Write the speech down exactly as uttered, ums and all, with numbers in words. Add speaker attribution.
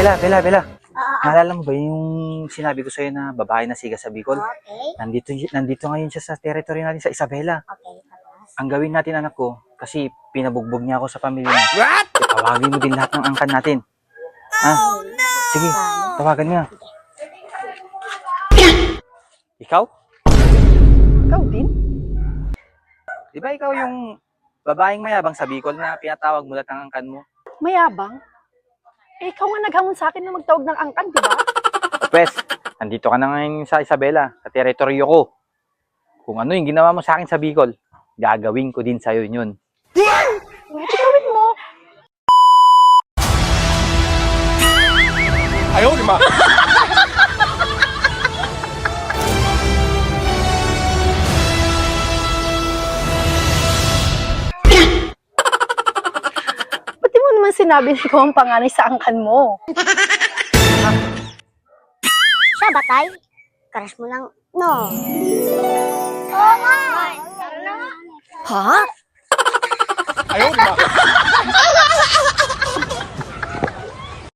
Speaker 1: Bella, Bella, Bella.
Speaker 2: Oo.
Speaker 1: Naalala mo ba yung sinabi ko sa'yo na babae na siga sa Bicol?
Speaker 2: Okay.
Speaker 1: Nandito, nandito ngayon siya sa territory natin sa Isabela.
Speaker 2: Okay. Tapos.
Speaker 1: Ang gawin natin, anak ko, kasi pinabugbog niya ako sa pamilya niya. What? Tawagin mo din lahat ng angkan natin. Ha? Sige, tawagan niya. Ikaw? Ikaw din? Di ba ikaw yung babaeng mayabang sa Bicol na pinatawag mo lahat ng angkan mo?
Speaker 3: Mayabang? Eh, ikaw nga naghamon sa akin na magtawag ng angkan, di ba?
Speaker 1: Pwes, nandito ka na ngayon sa Isabela, sa teritoryo ko. Kung ano yung ginawa mo sa akin sa Bicol, gagawin ko din sa'yo yun.
Speaker 3: Pwede gawin mo.
Speaker 4: Ayaw, di ba?
Speaker 3: Ba't di mo naman sinabi na ikaw ang panganay sa angkan mo?
Speaker 2: Siya ba, tay? Crush mo lang. No. Oo nga.
Speaker 3: Ha?
Speaker 4: Ayaw, di ba?